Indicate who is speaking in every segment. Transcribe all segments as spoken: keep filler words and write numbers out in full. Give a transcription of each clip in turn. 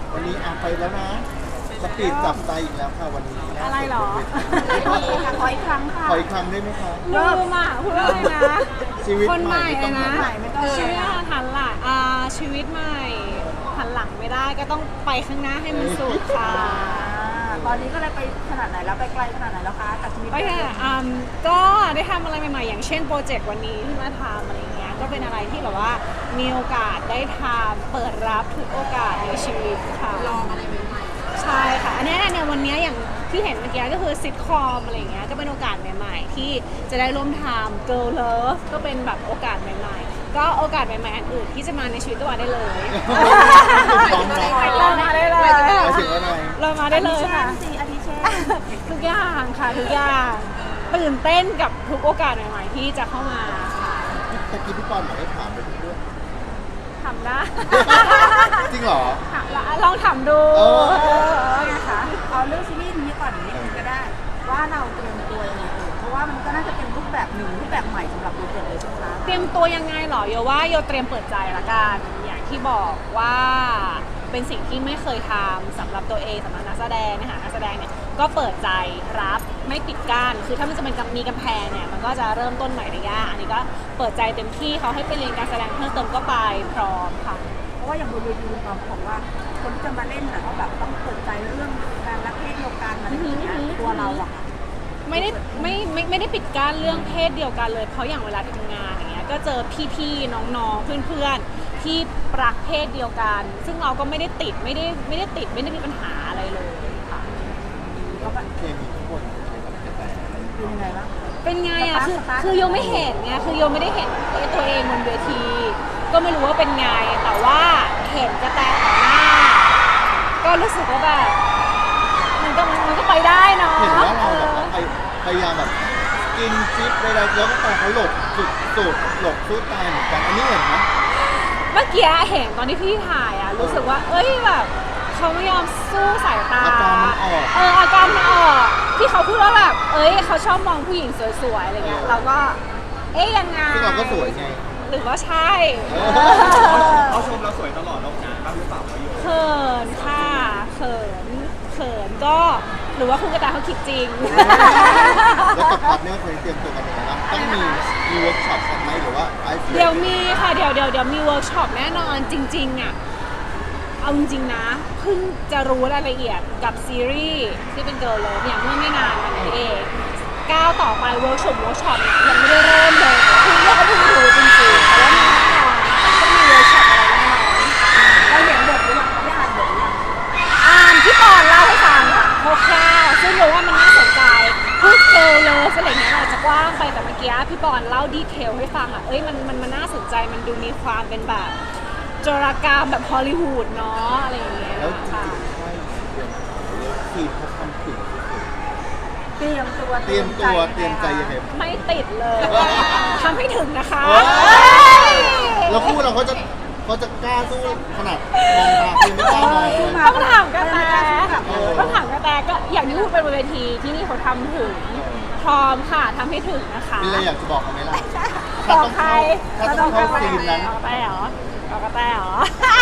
Speaker 1: วันนี้อาไปแล้วนะสปีดจับใจอีกแล้วค่ะวันนี้
Speaker 2: อะไรหรอ
Speaker 3: ขออีกครั้งค่ะ
Speaker 1: ขออีกครั้งได้ไหมคะ
Speaker 2: ลืมอ่ะพูดอะไรนะ
Speaker 1: ชีวิต
Speaker 2: คนใหม่
Speaker 1: ไม่
Speaker 2: เลย
Speaker 1: ต้อง
Speaker 2: นะ
Speaker 1: ทำ
Speaker 3: ไม่ต้อง
Speaker 2: ชีวิตหันหลังอ่าชีวิตใหม่หันหลังไม่ได้ก็ต้องไปข้างหน้าให้มันสุดค่ะ
Speaker 3: ตอนนี้ก็เลยไปขนาดไหนแล้วไปไกลขนาดไหนแล้วคะกับชีวิต
Speaker 2: ไปค่ะอืมก็ได้ทำอะไรใหม่ๆอย่างเช่นโปรเจกต์วันนี้ที่มาทำอะไรเงี้ยก็เป็นอะไรที่แบบว่ามีโอกาสได้ทำเปิดรับทุกโอกาสในชีวิตค่ะลองอะไรใหม่ๆใช่ค่ะอันนี้เนี่ยวันนี้อย่างที่เห็นเมื่อกี้ก็คือซิทคอมอะไรเงี้ยก็เป็นโอกาสใหม่ๆที่จะได้ร่วมทำ Girl Love ก็เป็นแบบโอกาสใหม่ๆก็โอกาสใหม่ๆอันอื่นที่จะมาในชีวิตตัวได้เลย เรามาได้เลย
Speaker 1: ไปถึงอะไร
Speaker 2: เรามาได้เลยค่ะ
Speaker 3: สี่อาทิเช่น
Speaker 2: ทุกอย่างค่ะทุกอย่างตื่นเต้นกับทุกโอกาสใหม่ๆที่จะเข้ามาค่ะ
Speaker 1: ตะกี้พี่ปอนบอกให้ถามไปทุกเรื่อง
Speaker 2: ทำได้
Speaker 1: จริงเหรอ
Speaker 2: ถามลองถามดู
Speaker 1: เออ
Speaker 2: เออนะคะ
Speaker 3: เอาเรื่องซีรีส์นี้ก่อนนิดนึงก็ได้ ว่าเราเตรียมตัวยังไงเอ่ยเพราะว่ามันก็น่าจะเป็นรูปแบบหนึ่งรูปแบบใหม่สำหรับตัวเกิดเลยใช่ไหมคะ
Speaker 2: เตรียมตัวยังไงเหรอโยว่าโยเตรียมเปิดใจละกันอย่างที่บอกว่าเป็นสิ่งที่ไม่เคยทำสำหรับตัวเองสำหรับนักแสดงนะคะนักแสดงเนี่ยก็เปิดใจรับไม่ปิดกั้นคือถ้ามันจะเป็นกำมีกำแพงเนี่ยมันก็จะเริ่มต้นใหม่ได้ยากอันนี้ก็เปิดใจเต็มที่เขาให้ไปเรียนการแสดงเพิ่มเติมก็ไปพร้อมค่ะ
Speaker 3: เพราะว่าอย่างบนเวทีเราบอกว่า คนที่จะมาเล่นน่ะเขาแบบต้องเปิดใจเรื่องการรักเพศเดียวกันอะไรอย่างเงี้ยตัวเราอะค่ะ
Speaker 2: ไม่ได้ไม่ไม่ไม่ได้ปิดกั้นเรื่องเพศเดียวกันเลยเพราะอย่างเวลาทำงานอย่างเงี้ยก็เจอพี่ๆน้องๆเพื่อนๆที่รักเพศเดียวกัน ซึ่งเราก็ไม่ได้ติดไม่ได้ไม่ได้ติดไม่ได้มีปัญหาอะไรเลยค่ะ
Speaker 3: แล้วก็
Speaker 1: เคมีทุกคนใช้กับกระแต
Speaker 3: เป็นยังไงบ้าง
Speaker 2: เป็นไงอ่ะคือ
Speaker 3: สตาร์ท
Speaker 2: คือโยไม่เห็นไงคือโยไม่ได้เห็นตัวเองบนเวที ก็ไม่รู้ว่าเป็นไงแต่ว่าเห็นกระแตต่อหน้า ก็รู้สึกว่าแบบมันก็มันก็ไปได้เนาะ
Speaker 1: เห็นว่าเรา
Speaker 2: เอ
Speaker 1: แบบ
Speaker 2: อ
Speaker 1: ว่าพยพยายามแบบกินจิ๊บอะไรแล้วก็แต่เขาหลบสุดสุดหลบสู้ตายเหมือนกันอันนี้เห็นไหม
Speaker 2: เมื่อกี้เห็นตอนที่พี่ถ่ายอ่ะรู้สึกว่า เอ้ยแบบเขาไม่ยอมสู้สายตา
Speaker 1: อาการมันออก
Speaker 2: เอออาการมันออกที่เขาพูดว่าแบบเอ้ยเขาชอบมองผู้หญิงสวยๆอะไรเงี้ย
Speaker 1: เออ
Speaker 2: เราก็ เอ๊ยยังไง
Speaker 1: ซึ่งเราก็สวยไง
Speaker 2: หรือว่าใช่
Speaker 1: เออ
Speaker 4: เขาชมเราสวยตลอดนอกงานบ้างหรือเปล่าประโยชน์
Speaker 2: เขินค่ะเขินเขินก็หรือว่าคุณกระต่ายเขาคิดจริง
Speaker 1: แล้วกับพาร์ทเนอร์คนนี้เตรียมตัวกันยังไงบ้างต้องมีมีเวิร์กช็อปกันไหมหรือว่าไอซ์
Speaker 2: เดี๋ยวมีค่ะเดี๋ยวเดี๋ยวเดี๋ยวมีเวิร์กช็อปแน่นอนจริงๆอ่ะเอาจริงๆนะเพิ่งจะรู้รายละเอียดกับซีรีส์ที่เป็นเกิร์ลเลยเนี่ยเมื่อไม่นานมานี้เองก้าวต่อไปเวิร์กช็อปเวิร์กช็อปเนี่ยยังไม่ได้เริ่มเลยคือเราก็เพิ่งรู้จริงๆแต่ว่ามีแน่นอนต้องมีเวิร์กช็อปอะไรแน่นอน
Speaker 3: เราเห็นบทหรือยังได้อ่านบทหรือยัง
Speaker 2: อ่านที่ปอนเล่าให้ฟังค่ะคร่าวๆซึ่งรู้ว่ามันน่าสนใจพูดเกิร์ลเลยอะไรอย่างเงี้ยเราจะกว้างไปแต่เมื่อกี้พี่ปอนเล่าดีเทลให้ฟังอ่ะเอ้ยมันมันมันน่าสนใจมันดูมีความเป็นแบบโจรกรรมแบบฮอลลีวูดเนาะอะไรอย่างเงี้ย
Speaker 1: แล้วจริง
Speaker 2: ค่ะ
Speaker 1: ๆใช่เรื่องเรื่องทีมเขาทำถึงสุด
Speaker 3: เตรียมตัว
Speaker 1: ๆเตรียมตัวเตรียมใจยังไง
Speaker 2: ไม่ติดเลยทำให้ถึงนะคะ
Speaker 1: เฮ้ย
Speaker 2: เอ้ย
Speaker 1: แล้วคู่เราเขาจะเขาจะกล้าสู้ขนาดมองตาคือไม่กล้ามองเลย
Speaker 2: ต้องถามกระแต
Speaker 1: เออ
Speaker 2: ต้องถามกระแตก็อย่างที่พูดเป็นบนเวทีที่นี่เขาทำถึงพร้อมค่ะทำให้ถึงนะคะ
Speaker 1: มีอะไรอยากจะบอกเขาไหมล่ะ
Speaker 2: บอกใคร
Speaker 1: ถ้าต้องเข้าซีนนั้น
Speaker 2: เอากระแตเหรอเอากระแตเหรอ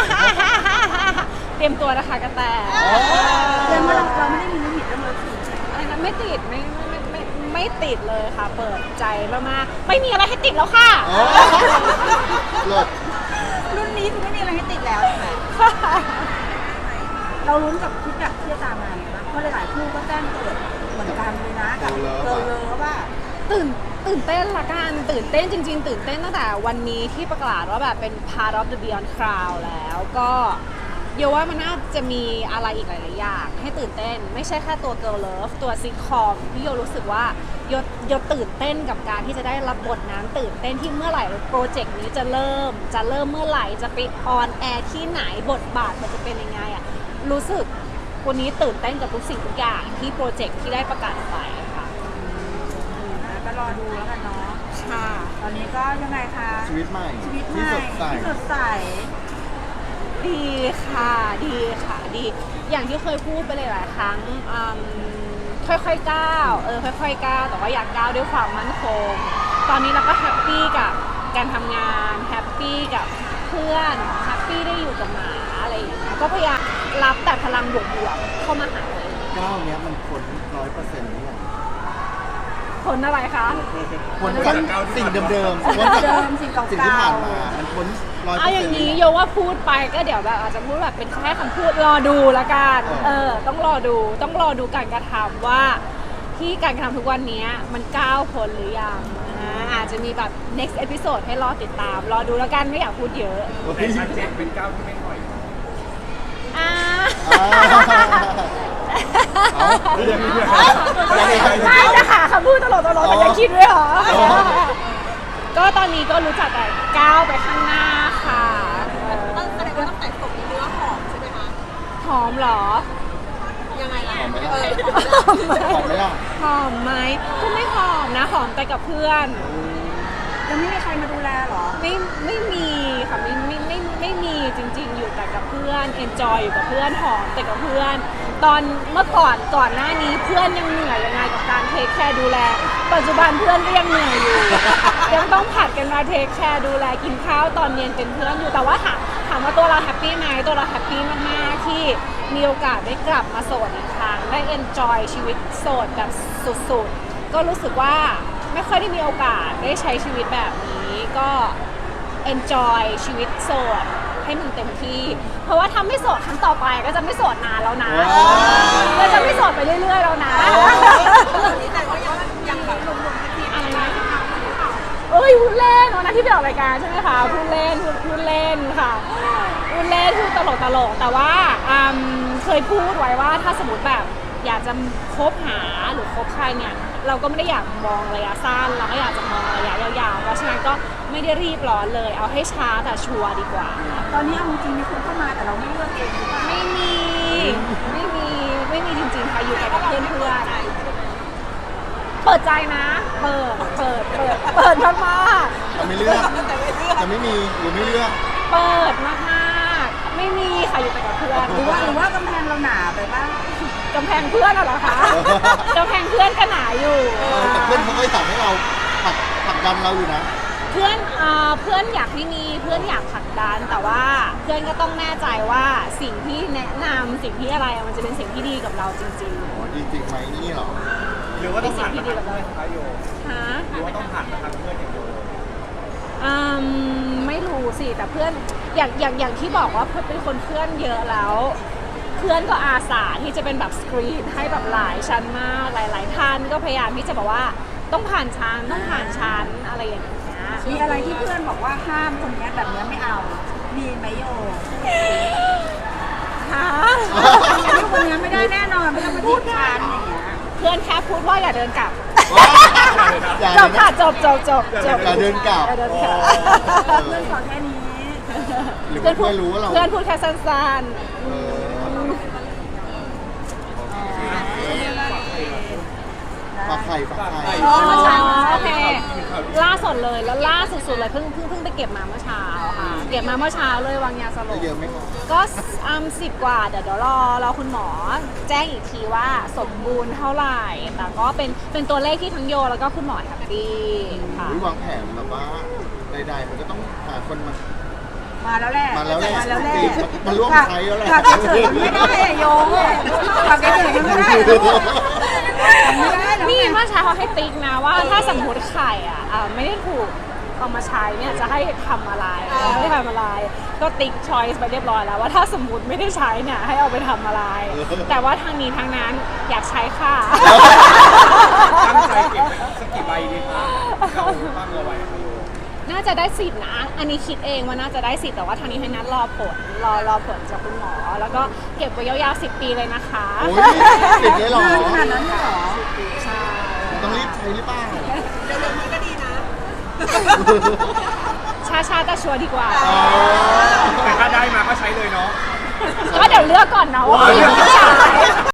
Speaker 2: เตรียมตัวนะคะกระแต
Speaker 3: เตรียมว่าเราเราไม่ได้มีลิมิตเรื่องเลิฟซีนใช่ไหม
Speaker 2: อะไรนะไม่ติดไม่ไม่ไม่ไม่ไม่ติดเลยค่ะ เปิดใจมากๆไม่มีอะไรให้ติดแล้วค่ะ
Speaker 1: เออเลิศ
Speaker 3: รุ่นนี้คือไม่มีอะไรให้ติดแล้วใช่ไหมเราลุ้นกับคิดแบบที่จะตามมาไงบ้างเพราะหลายๆคู่ก็แจ้งเกิดเหมือนกันเลยนะกับเกิร์ลเลิฟว่า
Speaker 2: ตื่นตื่นเต้นละกันตื่นเต้นจริง ๆ ตื่นเต้นตั้งแต่วันนี้ที่ประกาศว่าแบบเป็น part of the Beyond Crowd แล้วก็เดี๋ยวว่ามันน่าจะมีอะไรอีกหลายๆอย่างให้ตื่นเต้นไม่ใช่แค่ตัว Girl Love ตัวซิทคอมที่โยรู้สึกว่าโยโยตื่นเต้นกับการที่จะได้รับบทนั้นตื่นเต้นที่เมื่อไหร่โปรเจกต์นี้จะเริ่ม จะเริ่มเมื่อไหร่จะไปออนแอร์ที่ไหนบทบาทมันจะเป็นยังไงอะรู้สึกวันนี้ตื่นเต้นกับทุกสิ่งทุกอย่างที่โปรเจกต์ที่ได้ประกาศออกไปค่ะ
Speaker 3: ก็รอดูแล้วกันเนาะ
Speaker 2: ค่ะ
Speaker 3: ตอนนี้ก็ยังไงคะ
Speaker 1: ชีวิตใหม่
Speaker 3: ชีวิตให
Speaker 1: ที่
Speaker 3: ม่
Speaker 1: สดใส
Speaker 3: ที่สดใส
Speaker 2: ดีค่ะดีค่ะดีอย่างที่เคยพูดไปหลายๆครั้งอืมค่อยๆก้าวเออค่อยๆก้าวแต่ว่าอยากก้าวด้วยความมั่นคงตอนนี้เราก็แฮปปี้กับการทำงานแฮปปี้กับเพื่อนแฮปปี้ได้อยู่กับหมาอะไรอย่างเงี้ยก็พยายามรับแต่พลังบวกๆเข้ามาหาตัวเอง
Speaker 1: ก้าวเนี้ยมันพ้นร้อยเปอร์เซ็นต์หรือยัง
Speaker 2: ผลอะไรคะ
Speaker 1: พ้นจากสิ่งเดิมๆพ้นจาก
Speaker 3: เดิมสิ่งเก่าๆ
Speaker 1: สิ่งที่ผ่านมา มันพ้นร้อยเปอ
Speaker 2: เอา
Speaker 1: ร์
Speaker 2: อ
Speaker 1: เซ็น
Speaker 2: ย่าง
Speaker 1: ต์
Speaker 2: นี้โยว่าพูดไปก็เดี๋ยวแบบอาจจะพูดแบบเป็นแค่คำพูดรอดูละกัน
Speaker 1: เออ
Speaker 2: เออ ต้องรอดูต้องรอดูการกระทำว่าที่การกระทำทุกวันนี้มันก้าวพ้นหรือยังอ่าอาจจะมีแบบ next episode ให้รอติดตาม รอดูแล้วกันไม่อยากพูดเยอะ
Speaker 4: แต่ชัดเจนเป็นก้าวที่ไม่ถอย
Speaker 2: อ่า
Speaker 4: เรื่องนี้ด้วย
Speaker 2: ไม่จะหาคำพูดตลกตลกแต่ยังคิดด้วยเหรอ ก็ตอนนี้ก็รู้จักแต่ก้าวไปข้างหน้าค่ะเออ
Speaker 3: แสดงว่าตั้งแต่ตกเนื้อหอมใช่ไหมคะ
Speaker 2: หอมเหรอ
Speaker 3: ยังไงล่ะ
Speaker 1: หอมไหม
Speaker 3: เอ
Speaker 1: ล่ะ
Speaker 3: อ
Speaker 1: หอมไหมล่ะ
Speaker 2: หอมไหมก็ไม่หอมนะหอมแต่กับเพื่อน
Speaker 3: ยังไม่มีใครมาดูแลเหรอ
Speaker 2: ไม่ไม่มีค่ะไม่ไม่ไม่ไม่มีจริง ๆ อยู่แต่กับเพื่อนเอนจอยอยู่กับเพื่อนหอมแต่กับเพื่อน ตอนเมื่อก่อนก่อนหน้านี้เพื่อนยังเหนื่อยยังไงกับการเทคแคร์ดูแล ปัจจุบันเพื่อนก็ยังเหนื่อยอยู่ ยังต้องผัดกันมาเทคแคร์ดูแลกินข้าวตอนเย็นเป็นเพื่อนอยู่แต่ว่าถามถามว่าตัวเราแฮปปี้ไหมตัวเราแฮปปี้มากๆที่มีโอกาสได้กลับมาโสดอีกครั้งได้เอนจอยชีวิตโสดแบบสุดๆก็รู้สึกว่าไม่ค่อยได้มีโอกาสได้ใช้ชีวิตแบบนี้ก็ enjoy ชีวิตโสดให้มันเต็มที่ เพราะว่าถ้าไม่โสดครั้งต่อไปก็จะไม่โสดนานแล้วนะ
Speaker 1: ว้าว
Speaker 2: ก็จะไม่โสดไปเรื่อยๆแล้วนะ
Speaker 3: ตอนนี้แต่ก็ยังยังแบบลงๆที
Speaker 2: อะไรนะเอ้ยพูดเล่นวันนั้นที่ไปออกรายการใช่ไหมคะพูดเล่นพูดพูดเล่นค่ะพูดเล่นพูดตลกตลกๆแต่ว่าอืมเคยพูดไว้ว่าถ้าสมมติแบบอยากจะคบหาหรือคบใครเนี่ยเราก็ไม่ได้อยากมองระยะสั้นเราก็อยากจะมองระยะยาวๆเพราะฉะนั้นก็ไม่ได้รีบร้อนเลยเอาให้ช้าแต่ชัวร์ดีกว่า
Speaker 3: ตอนนี้เอาจริงๆมีคนเข้ามาแต่เราไม่เลือกเองหรือเปล่า
Speaker 2: ไม่มีไม่มีไม่มีจริงๆค่ะอยู่แต่กับเพื่อนเพื่อนๆเปิดใจนะ เปิดเปิดเปิดเปิดมากๆ
Speaker 1: จะไม่เลือกจะไม่มีหรือไม่เลือก
Speaker 2: เปิดมากๆ ไม่มีค่ะอยู่แต่กับเพื่อน
Speaker 3: หรือว่าหรือว่ากำแพงเราหนาไปบ้าง
Speaker 2: กำแพงเพื่อนอะเหรอคะกำแพงเพื่อนก็หนาอยู่
Speaker 1: เออแต่เพื่อนเขาก็สั่งให้เราผลักผลักดันเราอยู่นะ
Speaker 2: เพื่อนเอ่อเพื่อนอยากให้มีเพื่อนอยากผลักดันแต่ว่าเพื่อนก็ต้องแน่ใจว่าสิ่งที่แนะนำสิ่งที่อะไรมันจะเป็นสิ่งที่ดีกับเราจริง
Speaker 1: อ๋อดีจริงไหมนี่เหรอ
Speaker 4: หรือว่าต้องผ่านมาทางเพื่อนคะโย
Speaker 2: ๆฮะ
Speaker 4: หรือว่าต้องผ่านมาทางเพื่อนอย่างเดียว
Speaker 2: อืมไม่รู้สิแต่เพื่อนอย่างอย่างอย่างที่บอกว่าเพื่อนเป็นคนเพื่อนเยอะแล้ว เพื่อนก็อาสาที่จะเป็นแบบสกรีนให้แบบหลายชั้นมากหลาย ๆ ท่านก็พยายามที่จะบอกว่าต้องผ่านชั้นต้องผ่านชั้นอะไรอย่างเงี้ย
Speaker 3: มีอะไรที่เพื่อนบอกว่าห้ามคนเนี้ยแบบเนี้ยไม่เอา มีไหมโย
Speaker 2: ฮะ
Speaker 3: อันนี้คนเนี้ยไม่ได้แน่นอนไม่ต้องมาพูดกันอย่างเงี้ย
Speaker 2: เพื่อนแค่พูดว่าอย่าเดินกลับ
Speaker 1: อย่า
Speaker 2: จบค่ะจบจบจบจบ
Speaker 1: อย่าเดินกลับ
Speaker 2: อย่าเดินกลับ
Speaker 3: เพื่อนขอแค่นี้
Speaker 1: หรือ
Speaker 2: เพื่
Speaker 1: ว่า
Speaker 2: อนพู
Speaker 1: เพื่
Speaker 2: ด
Speaker 1: อนรู้ว่าเรา
Speaker 2: เพื่อนพูดแค่สั้น
Speaker 1: เออ ฝากไข่ฝากไข่
Speaker 2: ๆอ๋อเมื่อเช้าโอเคล่าสดเลยแล้วล่าสุดๆเลยเพิ่งเพิ่งเพิ่งไปเก็บมาเมื่อเช้าค่ะเก็บมาเมื่อเช้าเลยวางยาสล
Speaker 1: ได้
Speaker 2: บ
Speaker 1: เยอะไหมครับ
Speaker 2: ก็อืมสิบกว่าเดี๋ยวเดี๋ยวรอรอคุณหมอแจ้งอีกทีว่าสมบูรณ์เท่าไหร่แต่ก็เป็นเป็นตัวเลขที่ทั้งโยแล้วก็คุณหมอแฮปปี้ค่ะ
Speaker 1: อุ๊ยวางแผนแบบว่าใดๆมันก็ต้องหาคนมา
Speaker 3: มาแล้วแหละ
Speaker 1: มาแล้วแหละ
Speaker 3: มาแล้วแหละ
Speaker 1: จริงมันร่วมใช้แล้วแหละ
Speaker 3: ผักเฉยๆมันไม่ได้อะโยผักเฉยๆมันไม่ได้อะไม่ได้แล้ว
Speaker 2: นี่
Speaker 3: ไง
Speaker 2: เมื่อเช้าเขาให้ติ๊กนะว่าถ้าสมมติไข่อ่ะอ่าไม่ได้ถูกเอามาใช้เนี่ยจะให้ทำอะไรไม่ทำอะไร ก็ติ๊กชอยส์ไปเรียบร้อยแล้วว่าถ้าสมมติไม่ได้ใช้เนี่ยให้เอาไปทำอะไร แต่ว่าทางนี้ทางนั้นอยากใช้ค่ะ
Speaker 4: ตั้งใจเก็บไว้สักกี่ใบดีคะเราตั้งเอาไว้ค่ะโย
Speaker 2: น่าจะได้สิทธิ์นะ อันนี้คิดเองว่าน่าจะได้สิทธิ์แต่ว่าทางนี้ทางนั้นรอผลรอรอผลจากคุณหมอ แล้วก็เก็บไว้ยาวๆสิบปีเลยนะคะ
Speaker 1: โอ้ยติดเลยเหรอ
Speaker 3: ขนาดนั้นเลยเหรอ
Speaker 2: ใช่
Speaker 1: ต้องรีบใช้หรือเปล่า
Speaker 2: ชาชาๆแต่ชัวร์ดีกว่า
Speaker 1: อ๋อ
Speaker 4: แต่ถ้าได้มาก็ใช้เลยเนาะ
Speaker 2: ก็เดี๋ยวเลือกก่อนนะว่าผู้หญิงผู้ชาย